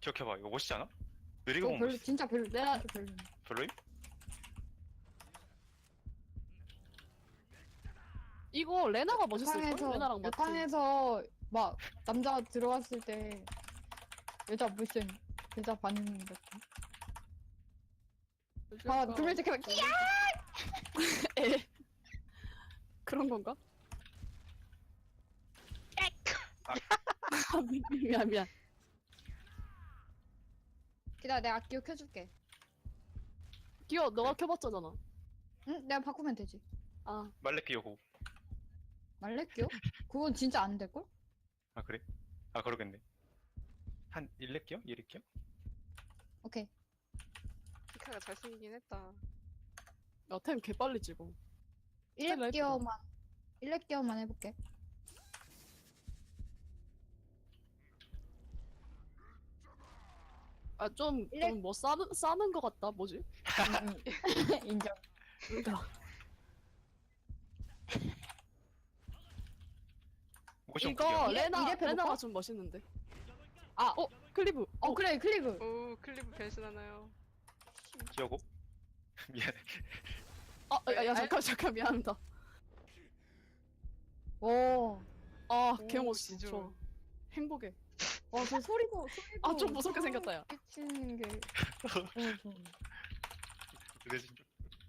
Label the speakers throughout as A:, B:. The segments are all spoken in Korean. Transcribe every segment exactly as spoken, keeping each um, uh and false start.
A: 기억해봐. 이거 멋있지 않아? 느리고
B: 어,
A: 보면
B: 별로,
A: 멋있어.
B: 진짜 별로, 내가 별로.
A: 별로임?
C: 이거 레나가 멋있을걸?
B: 여탕에서,
C: 레나랑 마틴.
B: 여탕에서, 막, 남자 들어왔을 때, 여자 무슨, 여자 반응 같은. 아, 두명 지켜봐, 끼야!
C: 에. 그런 건가? 아, 미- 미안 미안.
B: 기다려, 내가 기억 켜줄게.
C: 기어 너가 켜봤잖아.
B: 응? 내가 바꾸면 되지.
C: 아
A: 말레 끼우고.
B: 말레끼요? 그건 진짜 안 될걸?
A: 아, 그래? 아, 그러겠네. 한 일 렙 끼워? 이 렙 끼워?
B: 오케이.
D: 피카가 잘생기긴 했다.
C: 야, 템 개빨리 찍어.
B: 일 렙
C: 스텔라
B: 기어만, 일 렙 기어만 해볼게.
C: 아, 좀,
B: 일렙-
C: 좀 뭐 싸는, 싸는 거 같다. 뭐지?
B: 응, 응. 인정.
C: 그러니까.
A: 모션
C: 이거
A: 끼워.
B: 이래-
C: 레나,
B: 이래 해볼까?
C: 레나가 좀 멋있는데.
B: 아,
C: 어, 클리브.
B: 어, 그래, 클리브.
D: 오, 클리브 변신하나요?
A: 끼우고. 미안해.
C: 아, 야, 야, 잠깐, 잠깐, 미안합니다.
B: 오.
C: 아,
D: 오,
C: 개 멋있어.
D: 진짜.
C: 저 행복해.
B: 와, 저 소리도, 소리도.
C: 아, 좀 무섭게 생겼다, 야.
B: 끼치는 게. 너무 좋아.
A: 그래, 진짜.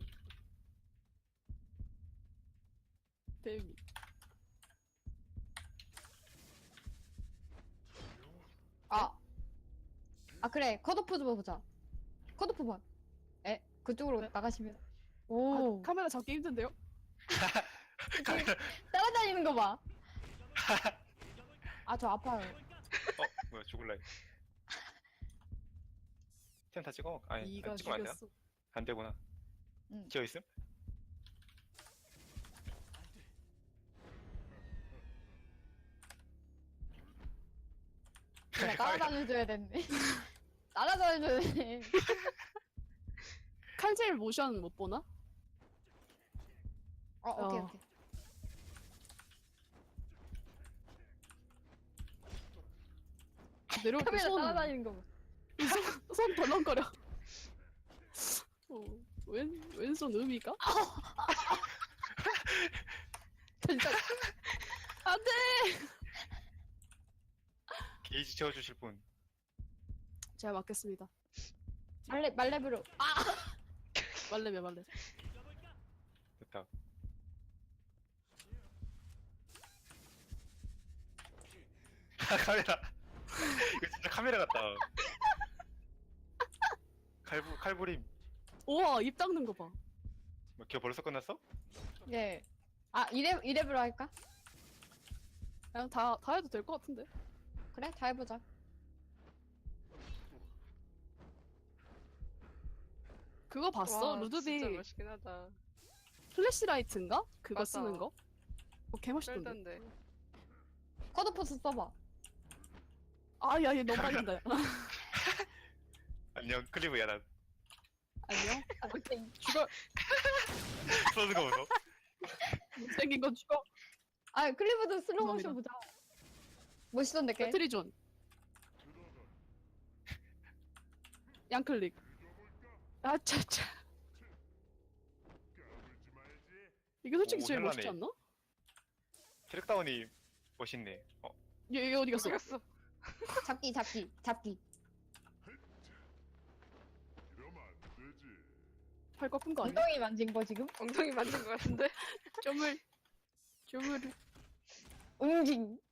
C: 데미.
B: 아. 아, 그래. 컷오프 좀 보자. 컷오프 봐. 에? 그쪽으로
C: 네.
B: 나가시면. 오.
C: 아, 카메라 잡기 힘든데요?
A: 카메라.
B: 따라다니는 거 봐. 아, 저 아파요.
A: 어, 뭐야, 죽을라. 템 다 찍어? 아니,
C: 이가
A: 찍으면 안 되나?
C: 죽였어.
A: 안 되구나.
B: 응.
A: 지어 있음?
B: 내가 따라다녀줘야 됐네. 따라다녀줘야 돼.
C: 칼제일 모션 못 보나?
B: 어, 오케이,
C: 어.
B: 오케이.
C: 내려올 때
B: 카메라
C: 손,
B: 따라다니는 거 봐.
C: 손, 손 덜렁거려. 어, 왼, 왼손 음이가?
B: 진짜.
C: 안 돼!
A: 게이지 채워주실 분.
C: 제가 맞겠습니다.
B: 말레, 말레브로.
C: 말레면 말레.
A: 됐다. 아, 카메라. 이거 진짜 카메라 같다. 칼부, 칼부림.
C: 우와, 입 닦는 거 봐.
A: 뭐, 기어 벌써 끝났어?
B: 예. 아, 이랩, 이랩으로 할까?
C: 그냥 다, 다 해도 될 것 같은데?
B: 그래, 다 해보자.
C: 그거 봤어?
D: 와, 진짜
C: 루드빅
D: 멋있긴 하다.
C: 플래시라이트인가? 그거
D: 맞아.
C: 쓰는 거? 어, 개멋있던데.
D: 쩔던데.
B: 컷오프 써봐.
C: 아, 야, 얘 너무 빨린다. 야.
A: 안녕, 클리브야, 난.
C: 안녕?
B: 오케이.
C: 죽어.
A: 써는 거 보소.
C: 못생긴 건 죽어.
B: 아, 클리브도 슬로우 모션
C: 죄송합니다.
B: 보자. 멋있던데, 걔?
C: 배트리존. 양클릭. 아, 차차. 이게 솔직히
A: 오,
C: 제일
A: 현란해.
C: 멋있지 않나?
A: 트랙다운이 멋있네. 어,
C: 얘, 얘 어디 갔어?
D: 어디갔어?
B: 잡기, 잡기, 잡기.
C: 팔 꺾은 거 아니야?
B: 엉덩이 만진 거, 지금?
D: 엉덩이 만진 것 같은데?
C: 쪼물. 쪼물.
B: 응징.